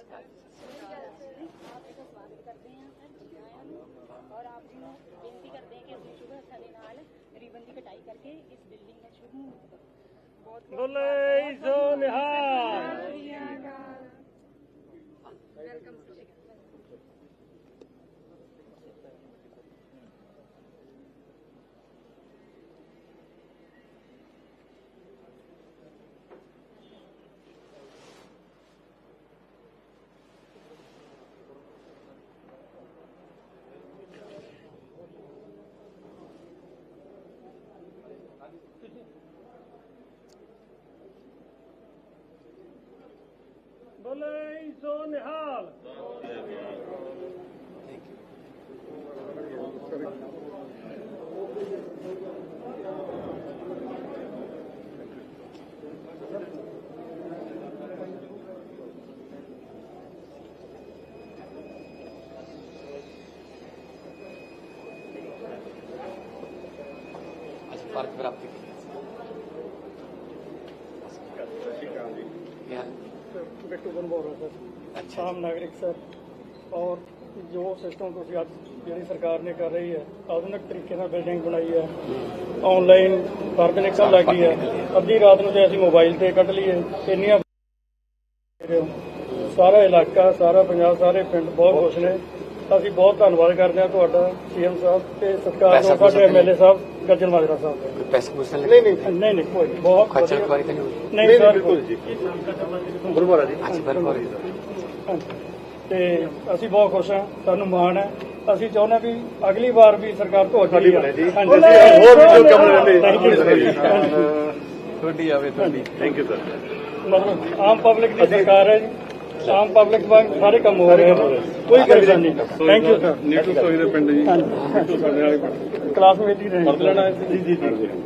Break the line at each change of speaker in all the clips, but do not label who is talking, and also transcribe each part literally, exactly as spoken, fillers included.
स्वागत करते हैं और आप जी ਨੂੰ ਬੇਨਤੀ ਕਰਦੇ ਹਾਂ ਕਿ ਅਸੀਂ ਸ਼ੁਭ ਹੱਥਾਂ ਦੇ ਨਾਲ ਰੀਬਨ ਦੀ ਕਟਾਈ ਕਰਕੇ ਇਸ ਬਿਲਡਿੰਗ ਦਾ ਸ਼ੁਭ ਮਹੂਰਤ ਬਹੁਤ
ਬੋਲੇ ਸੋ ਨਿਹਾਲ।
ਵੈਲਕਮ।
ਬੋਲੇ ਸੋ ਨਿਹਾਲ।
फर्क प्राप्त
ਬਿੱਟੂ ਬਨਬੋਰਾ ਸਰ, ਆਮ ਨਾਗਰਿਕ ਸਰ। ਔਰ ਜੋ ਸਿਸਟਮ ਤੁਸੀਂ ਅੱਜ ਜਿਹੜੀ ਸਰਕਾਰ ਨੇ ਕਰ ਰਹੀ ਹੈ, ਆਧੁਨਿਕ ਤਰੀਕੇ ਨਾਲ ਬਿਲਡਿੰਗ ਬਣਾਈ ਹੈ, ਆਨਲਾਈਨ ਫਰਦ ਨਿਕਲ ਲੱਗੀ ਹੈ। ਅੱਧੀ ਰਾਤ ਨੂੰ ਜੇ ਅਸੀਂ ਮੋਬਾਈਲ ਤੇ ਕੱਢ ਲਈਏ ਇੰਨੀਆਂ ਸਾਰਾ ਇਲਾਕਾ, ਸਾਰਾ ਪੰਜਾਬ, ਸਾਰੇ ਪਿੰਡ ਬਹੁਤ ਖੁਸ਼ ਨੇ। ਅਸੀਂ ਬਹੁਤ ਧੰਨਵਾਦ ਕਰਦੇ ਹਾਂ ਤੁਹਾਡਾ ਸੀਐਮ ਸਾਹਿਬ ਤੇ ਸਤਿਕਾਰ ਨਾਲ ਸਾਡੇ ਐਮਐਲਏ ਸਾਹਿਬ ਗੱਜਣ ਮਾਜਰਾ ਸਾਹਿਬ। ਨਹੀਂ ਨਹੀਂ ਨਹੀਂ ਨਹੀਂ ਕੋਈ ਬਹੁਤ
ਖਰਚਾ
ਵਧੀਆ।
ਕੁਆਰੀ ਤਾਂ ਨਹੀਂ ਹੋਈ?
ਨਹੀਂ ਸਰ, ਬਿਲਕੁਲ ਜੀ।
ਗੁਰਬਾਰਾ ਜੀ।
ਅੱਛਾ ਬਿਲਕੁਲ।
ਤੇ ਅਸੀਂ ਬਹੁਤ ਖੁਸ਼ ਹਾਂ, ਸਾਨੂੰ ਮਾਣ ਹੈ। ਅਸੀਂ ਚਾਹੁੰਦੇ ਹਾਂ ਵੀ ਅਗਲੀ ਵਾਰ ਵੀ ਸਰਕਾਰ ਤੁਹਾਡੀ ਬਣੇ ਜੀ।
ਹੋਰ ਵੀ ਜੋ ਕੰਮ ਰਹਿੰਦੇ
ਥੈਂਕ ਯੂ ਸਰ।
ਤੁਹਾਡੀ ਆਵੇ ਤੁਹਾਡੀ। Thank you sir.
ਮਤਲਬ ਆਮ ਪਬਲਿਕ ਦੀ ਸਰਕਾਰ ਹੈ ਜੀ, ਆਮ ਪਬਲਿਕ ਵਾਂਗ ਸਾਰੇ ਕੰਮ ਹੋ ਰਹੇ ਨੇ, ਕੋਈ ਪਰੇਸ਼ਾਨੀ ਨਹੀਂ। Thank you sir.
ਨੀਟੂ ਸੋਈ ਦੇ ਪਿੰਡ ਜੀ। ਨੀਟੂ ਸਾਡੇ ਵਾਲੇ ਪਿੰਡ
ਕਲਾਸਮੇਟ ਹੀ ਰਹੇ।
ਪੜ੍ਹ ਲੈਣਾ ਜੀ ਜੀ ਜੀ।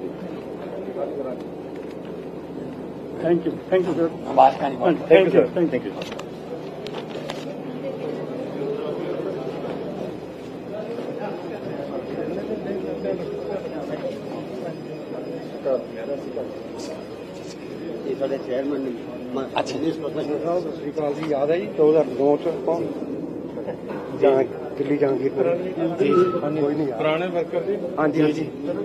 Thank you thank you sir.
बात का नहीं
ਥੈਂਕ ਯੂ ਥੈਂਕ ਯੂ।
ਇਹ ਸਾਡੇ ਚੇਅਰਮੈਨ ਨੇ।
अच्छा जी।
ਸਾਹਿਬ ਸਤਿ ਸ਼੍ਰੀ ਅਕਾਲ ਜੀ। ਯਾਦ ਹੈ ਜੀ ਦੋ ਹਜ਼ਾਰ ਨੌ ਚ ਕੌਣ ਜਾਂ ਦਿੱਲੀ ਜਹਾਂਗੀਰਪੁਰ ਜੀ? ਕੋਈ ਨਹੀਂ ਪੁਰਾਣੇ ਵਰਕਰ ਜੀ। ਹਾਂਜੀ ਹਾਂਜੀ।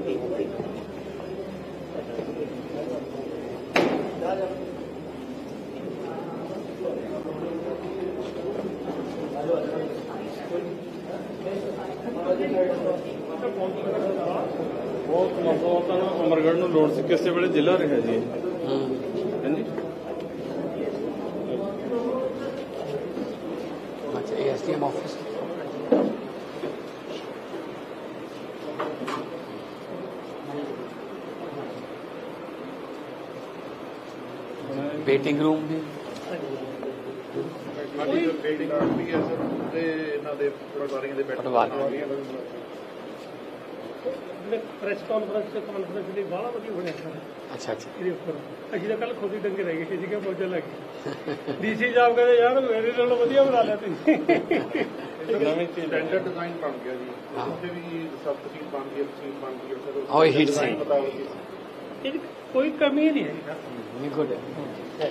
ਬਹੁਤ ਮਜ਼ਬੂਤ ਤਾਂ ਅਮਰਗੜ੍ਹ ਨੂੰ ਲੋੜ ਸੀ, ਕਿਸੇ ਵੇਲੇ ਜ਼ਿਲ੍ਹਾ ਰਿਹਾ ਜੀ। ਹਾਂਜੀ।
अच्छा एएसडीएम ऑफिस वेटिंग रूम भी
ਸਾਡੀ ਜੋ ਬਿਲਡਿੰਗ ਆਰਟੀ ਹੈ ਸਰ, ਤੇ ਇਹਨਾਂ ਦੇ ਪਟਵਾਰੀਆਂ ਦੇ ਬੈਠ
ਪਟਵਾਰੀ।
ਪ੍ਰੈਸ ਕਾਨਫਰੰਸ ਤੇ ਕਾਨਫਰੰਸ ਲਈ ਬਾਹਲਾ ਵਧੀਆ ਬਣਿਆ ਸਰ।
अच्छा अच्छा
ਇਹਦੇ ਉੱਪਰ ਅਸੀਂ ਤਾਂ ਕੱਲ ਖੁਦ ਹੀ ਡੰਗੇ ਰਹਿ ਗਏ ਸੀ ਕਿ ਮੌਜਾਂ ਲੱਗ ਗਈ। ਡੀਸੀ ਸਾਹਿਬ ਕਹਿੰਦੇ ਯਾਰ ਮੇਰੇ ਨਾਲੋਂ ਵਧੀਆ ਬਣਾ ਲਿਆ ਤੁਸੀਂ।
ਨਵੀਂ ਸਟੈਂਡਰਡ ਡਿਜ਼ਾਈਨ ਬਣ ਗਿਆ ਜੀ। ਉੱਥੇ ਵੀ ਸਭ ਤਸੀਲ ਬਣ ਗਈ, ਤਸੀਲ ਬਣ ਗਈ ਸਰ।
हाँ वो हीट से
ਇਹਦੀ ਕੋਈ ਕਮੀ ਨਹੀਂ ਹੈ ਸਰ।
गुड है।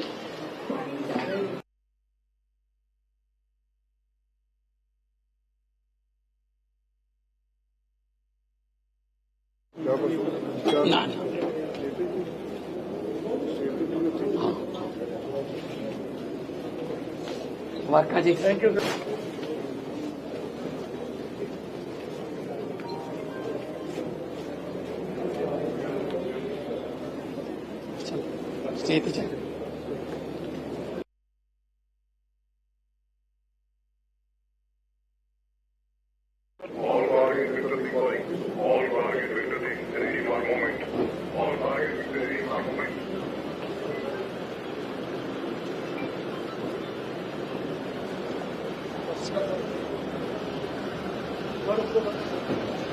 ना ना हाँ वर्का जी।
Thank you sir.
स्टे पे चल।
All target victory calling. All target victory. Ready for moment. All target victory for moment.
What is the